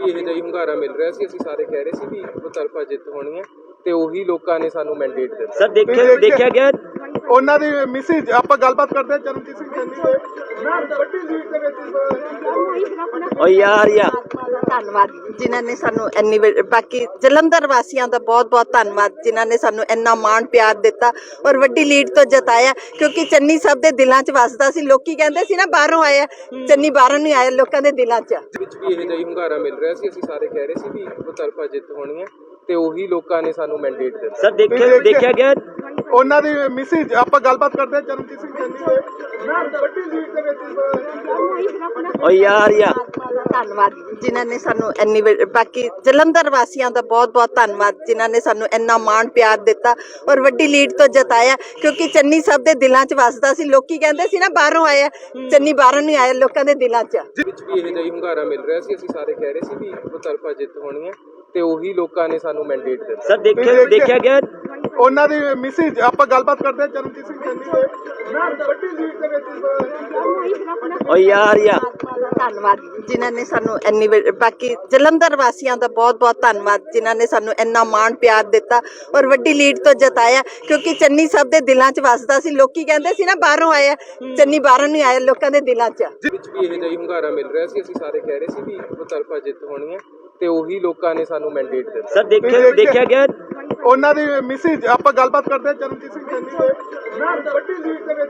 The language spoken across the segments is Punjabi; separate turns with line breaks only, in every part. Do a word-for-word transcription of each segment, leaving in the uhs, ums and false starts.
ਵੀ ਇਹ ਜਿਹਾ ਹੀ ਹੁੰਗਾਰਾ ਮਿਲ ਰਿਹਾ ਸੀ। ਅਸੀਂ ਸਾਰੇ ਕਹਿ ਰਹੇ ਸੀ ਵੀ ਮੁਤਲਫਾ ਜਿੱਤ ਹੋਣੀ ਹੈ ਤੇ ਉਹੀ ਲੋਕਾਂ ਨੇ ਸਾਨੂੰ ਮੈਂਡੇਟ ਦਿੱਤਾ।
ਸਰ ਦੇਖਿਆ ਦੇਖਿਆ ਗਿਆ
ਉਹਨਾਂ ਦੀ ਮਿਸਿਸ ਆਪਾਂ ਗੱਲਬਾਤ ਕਰਦੇ ਹਾਂ ਚਰਨਜੀਤ ਸਿੰਘ ਚੰਨੀ ਦੇ ਮੈਂ ਵੱਡੀ ਲੀਡ ਦੇ ਵਿੱਚ
ਓ ਯਾਰ ਯਾਰ
ਧੰਨਵਾਦ ਜਿਨ੍ਹਾਂ ਨੇ ਸਾਨੂੰ ਇੰਨੀ ਵੇ- ਬਾਕੀ ਜਲੰਧਰ ਵਾਸੀਆਂ ਦਾ ਬਹੁਤ ਬਹੁਤ ਧੰਨਵਾਦ ਜਿਨ੍ਹਾਂ ਨੇ ਸਾਨੂੰ ਇੰਨਾ ਮਾਣ ਪਿਆਰ ਦਿੱਤਾ ਔਰ ਵੱਡੀ ਲੀਡ ਤੋਂ ਜਿਤਾਇਆ, ਕਿਉਂਕਿ ਚੰਨੀ ਸਭ ਦੇ ਦਿਲਾਂ 'ਚ ਵਸਦਾ ਸੀ। ਲੋਕੀ ਕਹਿੰਦੇ ਸੀ ਨਾ ਬਾਹਰੋਂ ਆਇਆ, ਚੰਨੀ ਬਾਹਰੋਂ ਨਹੀਂ ਆਇਆ, ਲੋਕਾਂ ਦੇ ਦਿਲਾਂ 'ਚ।
ਵਿੱਚ ਵੀ ਇਹ ਜਿਹਾ ਹੀ ਹੁੰਗਾਰਾ ਮਿਲ ਰਿਹਾ ਸੀ। ਅਸੀਂ ਸਾਰੇ ਕਹਿ ਰਹੇ ਸੀ ਵੀ ਮੁਤਲਫਾ ਜਿੱਤ ਹੋਣੀ ਹੈ ਤੇ ਉਹੀ ਲੋਕਾਂ ਨੇ ਸਾਨੂੰ ਮੈਂਡੇਟ ਦਿੱਤਾ।
ਸਰ ਦੇਖਿਆ ਦੇਖਿਆ ਗਿਆ
ਉਹਨਾਂ ਦੀ ਮਿਸਿਸ ਆਪਾਂ ਗੱਲਬਾਤ ਕਰਦੇ ਹਾਂ ਚਰਨਜੀਤ ਸਿੰਘ ਚੰਨੀ ਦੇ ਮੈਂ ਵੱਡੀ ਲੀਡ ਦੇ ਵਿੱਚ
ਓ ਯਾਰ ਯਾਰ
ਧੰਨਵਾਦ ਜਿਨ੍ਹਾਂ ਨੇ ਸਾਨੂੰ ਇੰਨੀ ਵੇ- ਬਾਕੀ ਜਲੰਧਰ ਵਾਸੀਆਂ ਦਾ ਬਹੁਤ ਬਹੁਤ ਧੰਨਵਾਦ ਜਿਨ੍ਹਾਂ ਨੇ ਸਾਨੂੰ ਇੰਨਾ ਮਾਣ ਪਿਆਰ ਦਿੱਤਾ ਔਰ ਵੱਡੀ ਲੀਡ ਤੋਂ ਜਿਤਾਇਆ, ਕਿਉਂਕਿ ਚੰਨੀ ਸਭ ਦੇ ਦਿਲਾਂ 'ਚ ਵਸਦਾ ਸੀ। ਲੋਕੀ ਕਹਿੰਦੇ ਸੀ ਨਾ ਬਾਹਰੋਂ ਆਇਆ, ਚੰਨੀ ਬਾਹਰੋਂ ਨਹੀਂ ਆਇਆ, ਲੋਕਾਂ ਦੇ ਦਿਲਾਂ 'ਚ।
ਵਿੱਚ ਵੀ ਇਹ ਜਿਹਾ ਹੀ ਹੁੰਗਾਰਾ ਮਿਲ ਰਿਹਾ ਸੀ। ਅਸੀਂ ਸਾਰੇ ਕਹਿ ਰਹੇ ਸੀ ਵੀ ਮੁਤਲਫਾ ਜਿੱਤ ਹੋਣੀ ਹੈ ਤੇ ਉਹੀ ਲੋਕਾਂ ਨੇ ਸਾਨੂੰ ਮੈਂਡੇਟ ਦਿੱਤਾ।
ਸਰ ਦੇਖਿਆ ਦੇਖਿਆ ਗਿਆ
ਉਹਨਾਂ ਦੀ ਮਿਸਿਸ ਆਪਾਂ ਗੱਲਬਾਤ ਕਰਦੇ ਹਾਂ ਚਰਨਜੀਤ ਸਿੰਘ ਚੰਨੀ ਦੇ ਮੈਂ ਵੱਡੀ ਲੀਡ ਦੇ ਵਿੱਚ
ਓ ਯਾਰ ਯਾਰ
ਧੰਨਵਾਦ ਜਿਨ੍ਹਾਂ ਨੇ ਸਾਨੂੰ ਇੰਨੀ ਵੇ- ਬਾਕੀ ਜਲੰਧਰ ਵਾਸੀਆਂ ਦਾ ਬਹੁਤ ਬਹੁਤ ਧੰਨਵਾਦ ਜਿਨ੍ਹਾਂ ਨੇ ਸਾਨੂੰ ਇੰਨਾ ਮਾਣ ਪਿਆਰ ਦਿੱਤਾ ਔਰ ਵੱਡੀ ਲੀਡ ਤੋਂ ਜਿਤਾਇਆ, ਕਿਉਂਕਿ ਚੰਨੀ ਸਭ ਦੇ ਦਿਲਾਂ 'ਚ ਵਸਦਾ ਸੀ। ਲੋਕੀ ਕਹਿੰਦੇ ਸੀ ਨਾ ਬਾਹਰੋਂ ਆਇਆ, ਚੰਨੀ ਬਾਹਰੋਂ ਨਹੀਂ ਆਇਆ, ਲੋਕਾਂ ਦੇ ਦਿਲਾਂ 'ਚ।
ਵਿੱਚ ਵੀ ਇਹ ਜਿਹਾ ਹੀ ਹੁੰਗਾਰਾ ਮਿਲ ਰਿਹਾ ਸੀ। ਅਸੀਂ ਸਾਰੇ ਕਹਿ ਰਹੇ ਸੀ ਵੀ ਮੁਤਲਫਾ ਜਿੱਤ ਹੋਣੀ ਹੈ ਤੇ ਉਹੀ ਲੋਕਾਂ ਨੇ ਸਾਨੂੰ ਮੈਂਡੇਟ ਦਿੱਤਾ।
ਸਰ ਦੇਖਿਆ ਦੇਖਿਆ ਗਿਆ
ਉਹਨਾਂ ਦੀ ਮਿਸਿਸ ਆਪਾਂ ਗੱਲਬਾਤ ਕਰਦੇ ਹਾਂ ਚਰਨਜੀਤ ਸਿੰਘ ਚੰਨੀ ਦੇ ਮੈਂ ਵੱਡੀ ਲੀਡ ਦੇ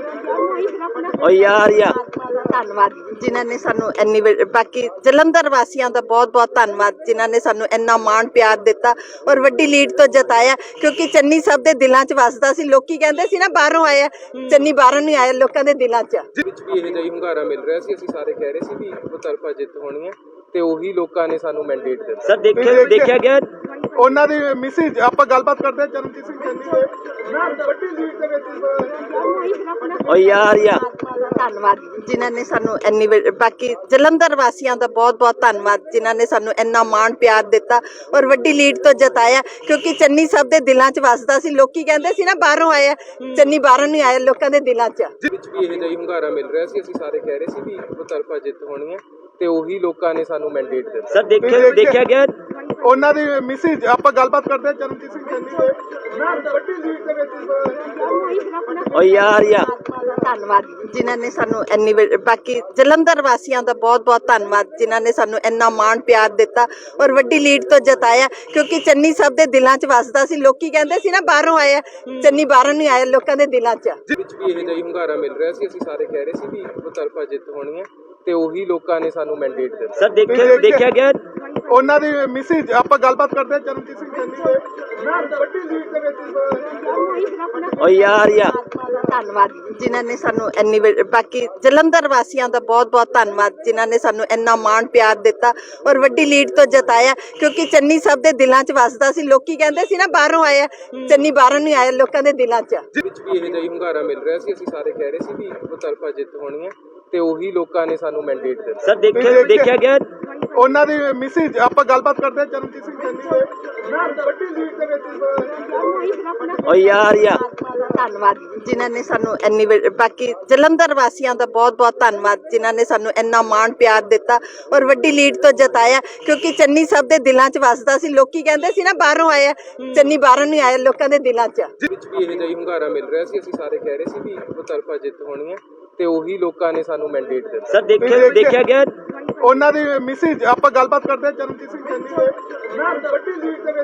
ਵਿੱਚ
ਓ ਯਾਰ ਯਾਰ
ਧੰਨਵਾਦ ਜਿਨ੍ਹਾਂ ਨੇ ਸਾਨੂੰ ਇੰਨੀ ਵੇ- ਬਾਕੀ ਜਲੰਧਰ ਵਾਸੀਆਂ ਦਾ ਬਹੁਤ ਬਹੁਤ ਧੰਨਵਾਦ ਜਿਨ੍ਹਾਂ ਨੇ ਸਾਨੂੰ ਇੰਨਾ ਮਾਣ ਪਿਆਰ ਦਿੱਤਾ ਔਰ ਵੱਡੀ ਲੀਡ ਤੋਂ ਜਿਤਾਇਆ, ਕਿਉਂਕਿ ਚੰਨੀ ਸਭ ਦੇ ਦਿਲਾਂ 'ਚ ਵਸਦਾ ਸੀ। ਲੋਕੀ ਕਹਿੰਦੇ ਸੀ ਨਾ ਬਾਹਰੋਂ ਆਇਆ, ਚੰਨੀ ਬਾਹਰੋਂ ਨਹੀਂ ਆਇਆ, ਲੋਕਾਂ ਦੇ ਦਿਲਾਂ 'ਚ।
ਵਿੱਚ ਵੀ ਇਹ ਜਿਹਾ ਹੀ ਹੁੰਗਾਰਾ ਮਿਲ ਰਿਹਾ ਸੀ। ਅਸੀਂ ਸਾਰੇ ਕਹਿ ਰਹੇ ਸੀ ਵੀ ਮੁਤਲਫਾ ਜਿੱਤ ਹੋਣੀ ਹੈ ਤੇ ਉਹੀ ਲੋਕਾਂ ਨੇ ਸਾਨੂੰ ਮੈਂਡੇਟ ਦਿੱਤਾ।
ਸਰ ਦੇਖਿਆ ਦੇਖਿਆ ਗਿਆ
ਉਹਨਾਂ ਦੀ ਮਿਸਿਸ ਆਪਾਂ ਗੱਲਬਾਤ ਕਰਦੇ ਹਾਂ ਚਰਨਜੀਤ ਸਿੰਘ ਚੰਨੀ ਦੇ ਮੈਂ ਵੱਡੀ ਲੀਡ ਦੇ ਵਿੱਚ
ਓ ਯਾਰ ਯਾਰ
ਧੰਨਵਾਦ ਜਿਨ੍ਹਾਂ ਨੇ ਸਾਨੂੰ ਇੰਨੀ ਵੇ- ਬਾਕੀ ਜਲੰਧਰ ਵਾਸੀਆਂ ਦਾ ਬਹੁਤ ਬਹੁਤ ਧੰਨਵਾਦ ਜਿਨ੍ਹਾਂ ਨੇ ਸਾਨੂੰ ਇੰਨਾ ਮਾਣ ਪਿਆਰ ਦਿੱਤਾ ਔਰ ਵੱਡੀ ਲੀਡ ਤੋਂ ਜਿਤਾਇਆ, ਕਿਉਂਕਿ ਚੰਨੀ ਸਭ ਦੇ ਦਿਲਾਂ 'ਚ ਵਸਦਾ ਸੀ। ਲੋਕੀ ਕਹਿੰਦੇ ਸੀ ਨਾ ਬਾਹਰੋਂ ਆਇਆ, ਚੰਨੀ ਬਾਹਰੋਂ ਨਹੀਂ ਆਇਆ, ਲੋਕਾਂ ਦੇ ਦਿਲਾਂ 'ਚ।
ਵਿੱਚ ਵੀ ਇਹ ਜਿਹਾ ਹੀ ਹੁੰਗਾਰਾ ਮਿਲ ਰਿਹਾ ਸੀ। ਅਸੀਂ ਸਾਰੇ ਕਹਿ ਰਹੇ ਸੀ ਵੀ ਮੁਤਲਫਾ ਜਿੱਤ ਹੋਣੀ ਹੈ ਤੇ ਉਹੀ ਲੋਕਾਂ ਨੇ ਸਾਨੂੰ ਮੈਂਡੇਟ ਦਿੱਤਾ।
ਸਰ ਦੇਖਿਆ ਦੇਖਿਆ ਗਿਆ
ਉਹਨਾਂ ਦੀ ਮਿਸਿਸ ਆਪਾਂ ਗੱਲਬਾਤ ਕਰਦੇ ਹਾਂ ਚਰਨਜੀਤ ਸਿੰਘ ਚੰਨੀ ਦੇ ਮੈਂ ਵੱਡੀ ਲੀਡ ਦੇ ਵਿੱਚ
ਓ ਯਾਰ ਯਾਰ
ਧੰਨਵਾਦ ਜਿਨ੍ਹਾਂ ਨੇ ਸਾਨੂੰ ਇੰਨੀ ਵੇ- ਬਾਕੀ ਜਲੰਧਰ ਵਾਸੀਆਂ ਦਾ ਬਹੁਤ ਬਹੁਤ ਧੰਨਵਾਦ ਜਿਨ੍ਹਾਂ ਨੇ ਸਾਨੂੰ ਇੰਨਾ ਮਾਣ ਪਿਆਰ ਦਿੱਤਾ ਔਰ ਵੱਡੀ ਲੀਡ ਤੋਂ ਜਿਤਾਇਆ, ਕਿਉਂਕਿ ਚੰਨੀ ਸਭ ਦੇ ਦਿਲਾਂ 'ਚ ਵਸਦਾ ਸੀ। ਲੋਕੀ ਕਹਿੰਦੇ ਸੀ ਨਾ ਬਾਹਰੋਂ ਆਇਆ, ਚੰਨੀ ਬਾਹਰੋਂ ਨਹੀਂ ਆਇਆ, ਲੋਕਾਂ ਦੇ ਦਿਲਾਂ 'ਚ।
ਵਿੱਚ ਵੀ ਇਹ ਜਿਹਾ ਹੀ ਹੁੰਗਾਰਾ ਮਿਲ ਰਿਹਾ ਸੀ। ਅਸੀਂ ਸਾਰੇ ਕਹਿ ਰਹੇ ਸੀ ਵੀ ਮੁਤਲਫਾ ਜਿੱਤ ਹੋਣੀ ਹੈ ਤੇ ਉਹੀ ਲੋਕਾਂ ਨੇ ਸਾਨੂੰ ਮੈਂਡੇਟ ਦਿੱਤਾ।
ਸਰ ਦੇਖਿਆ ਦੇਖਿਆ ਗਿਆ
ਉਹਨਾਂ ਦੀ ਮਿਸਿਸ ਆਪਾਂ ਗੱਲਬਾਤ ਕਰਦੇ ਹਾਂ ਚਰਨਜੀਤ ਸਿੰਘ ਚੰਨੀ ਦੇ ਮੈਂ ਵੱਡੀ ਲੀਡ ਦੇ ਵਿੱਚ
ਓ ਯਾਰ ਯਾਰ
ਧੰਨਵਾਦ ਜਿਨ੍ਹਾਂ ਨੇ ਸਾਨੂੰ ਇੰਨੀ ਵੇ- ਬਾਕੀ ਜਲੰਧਰ ਵਾਸੀਆਂ ਦਾ ਬਹੁਤ ਬਹੁਤ ਧੰਨਵਾਦ ਜਿਨ੍ਹਾਂ ਨੇ ਸਾਨੂੰ ਇੰਨਾ ਮਾਣ ਪਿਆਰ ਦਿੱਤਾ ਔਰ ਵੱਡੀ ਲੀਡ ਤੋਂ ਜਿਤਾਇਆ, ਕਿਉਂਕਿ ਚੰਨੀ ਸਭ ਦੇ ਦਿਲਾਂ 'ਚ ਵਸਦਾ ਸੀ। ਲੋਕੀ ਕਹਿੰਦੇ ਸੀ ਨਾ ਬਾਹਰੋਂ ਆਇਆ, ਚੰਨੀ ਬਾਹਰੋਂ ਨਹੀਂ ਆਇਆ, ਲੋਕਾਂ ਦੇ ਦਿਲਾਂ 'ਚ।
ਵਿੱਚ ਵੀ ਇਹ ਜਿਹਾ ਹੀ ਹੁੰਗਾਰਾ ਮਿਲ ਰਿਹਾ ਸੀ। ਅਸੀਂ ਸਾਰੇ ਕਹਿ ਰਹੇ ਸੀ ਵੀ ਮੁਤਲਫਾ ਜਿੱਤ ਹੋਣੀ ਹੈ ਤੇ ਉਹੀ ਲੋਕਾਂ ਨੇ ਸਾਨੂੰ ਮੈਂਡੇਟ ਦਿੱਤਾ।
ਸਰ ਦੇਖਿਆ ਦੇਖਿਆ ਗਿਆ
ਉਹਨਾਂ ਦੀ ਮਿਸਿਸ ਆਪਾਂ ਗੱਲਬਾਤ ਕਰਦੇ ਹਾਂ ਚਰਨਜੀਤ ਸਿੰਘ ਚੰਨੀ ਦੇ ਮੈਂ ਵੱਡੀ ਲੀਡ ਦੇ ਵਿੱਚ
ਓ ਯਾਰ ਯਾਰ
ਧੰਨਵਾਦ ਜਿਨ੍ਹਾਂ ਨੇ ਸਾਨੂੰ ਇੰਨੀ ਵੇ- ਬਾਕੀ ਜਲੰਧਰ ਵਾਸੀਆਂ ਦਾ ਬਹੁਤ ਬਹੁਤ ਧੰਨਵਾਦ ਜਿਨ੍ਹਾਂ ਨੇ ਸਾਨੂੰ ਇੰਨਾ ਮਾਣ ਪਿਆਰ ਦਿੱਤਾ ਔਰ ਵੱਡੀ ਲੀਡ ਤੋਂ ਜਿਤਾਇਆ, ਕਿਉਂਕਿ ਚੰਨੀ ਸਭ ਦੇ ਦਿਲਾਂ 'ਚ ਵਸਦਾ ਸੀ। ਲੋਕੀ ਕਹਿੰਦੇ ਸੀ ਨਾ ਬਾਹਰੋਂ ਆਇਆ, ਚੰਨੀ ਬਾਹਰੋਂ ਨਹੀਂ ਆਇਆ, ਲੋਕਾਂ ਦੇ ਦਿਲਾਂ 'ਚ।
ਵਿੱਚ ਵੀ ਇਹ ਜਿਹਾ ਹੀ ਹੁੰਗਾਰਾ ਮਿਲ ਰਿਹਾ ਸੀ। ਅਸੀਂ ਸਾਰੇ ਕਹਿ ਰਹੇ ਸੀ ਵੀ ਮੁਤਲਫਾ ਜਿੱਤ ਹੋਣੀ ਹੈ ਤੇ ਉਹੀ ਲੋਕਾਂ ਨੇ ਸਾਨੂੰ ਮੈਂਡੇਟ ਦਿੱਤਾ।
ਸਰ ਦੇਖਿਆ ਦੇਖਿਆ ਗਿਆ
ਉਹਨਾਂ ਦੀ ਮਿਸਿਸ ਆਪਾਂ ਗੱਲਬਾਤ ਕਰਦੇ ਹਾਂ ਚਰਨਜੀਤ ਸਿੰਘ ਚੰਨੀ ਦੇ ਮੈਂ ਵੱਡੀ ਲੀਡ ਦੇ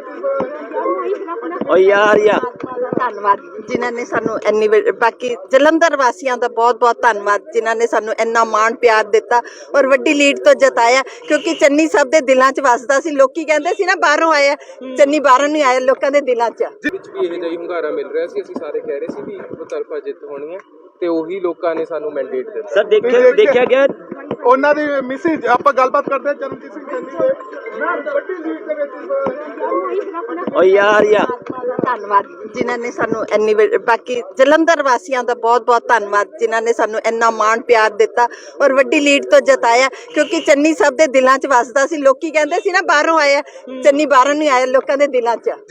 ਵਿੱਚ
ਓ ਯਾਰ ਯਾਰ
ਧੰਨਵਾਦ ਜਿਨ੍ਹਾਂ ਨੇ ਸਾਨੂੰ ਇੰਨੀ ਵੇ- ਬਾਕੀ ਜਲੰਧਰ ਵਾਸੀਆਂ ਦਾ ਬਹੁਤ ਬਹੁਤ ਧੰਨਵਾਦ ਜਿਨ੍ਹਾਂ ਨੇ ਸਾਨੂੰ ਇੰਨਾ ਮਾਣ ਪਿਆਰ ਦਿੱਤਾ ਔਰ ਵੱਡੀ ਲੀਡ ਤੋਂ ਜਿਤਾਇਆ, ਕਿਉਂਕਿ ਚੰਨੀ ਸਭ ਦੇ ਦਿਲਾਂ 'ਚ ਵਸਦਾ ਸੀ। ਲੋਕੀ ਕਹਿੰਦੇ ਸੀ ਨਾ ਬਾਹਰੋਂ ਆਇਆ, ਚੰਨੀ ਬਾਹਰੋਂ ਨਹੀਂ ਆਇਆ, ਲੋਕਾਂ ਦੇ ਦਿਲਾਂ 'ਚ।
ਵਿੱਚ ਵੀ ਇਹ ਜਿਹਾ ਹੀ ਹੁੰਗਾਰਾ ਮਿਲ ਰਿਹਾ ਸੀ। ਅਸੀਂ ਸਾਰੇ ਕਹਿ ਰਹੇ ਸੀ ਵੀ ਮੁਤਲਫਾ ਜਿੱਤ ਹੋਣੀ ਹੈ ਤੇ ਉਹੀ ਲੋਕਾਂ ਨੇ ਸਾਨੂੰ ਮੈਂਡੇਟ ਦਿੱਤਾ।
ਸਰ ਦੇਖਿਆ ਦੇਖਿਆ ਗਿਆ
ਉਹਨਾਂ ਦੀ ਮਿਸਿਸ ਆਪਾਂ ਗੱਲਬਾਤ ਕਰਦੇ ਹਾਂ ਚਰਨਜੀਤ ਸਿੰਘ ਚੰਨੀ ਦੇ ਮੈਂ ਵੱਡੀ ਲੀਡ ਦੇ ਵਿੱਚ
ਓ ਯਾਰ ਯਾਰ
ਧੰਨਵਾਦ ਜਿਨ੍ਹਾਂ ਨੇ ਸਾਨੂੰ ਇੰਨੀ ਵੇ- ਬਾਕੀ ਜਲੰਧਰ ਵਾਸੀਆਂ ਦਾ ਬਹੁਤ ਬਹੁਤ ਧੰਨਵਾਦ ਜਿਨ੍ਹਾਂ ਨੇ ਸਾਨੂੰ ਇੰਨਾ ਮਾਣ ਪਿਆਰ ਦਿੱਤਾ ਔਰ ਵੱਡੀ ਲੀਡ ਤੋਂ ਜਿਤਾਇਆ, ਕਿਉਂਕਿ ਚੰਨੀ ਸਭ ਦੇ ਦਿਲਾਂ 'ਚ ਵਸਦਾ ਸੀ। ਲੋਕੀ ਕਹਿੰਦੇ ਸੀ ਨਾ ਬਾਹਰੋਂ ਆਇਆ, ਚੰਨੀ ਬਾਹਰੋਂ ਨਹੀਂ ਆਇਆ, ਲੋਕਾਂ ਦੇ ਦਿਲਾਂ 'ਚ।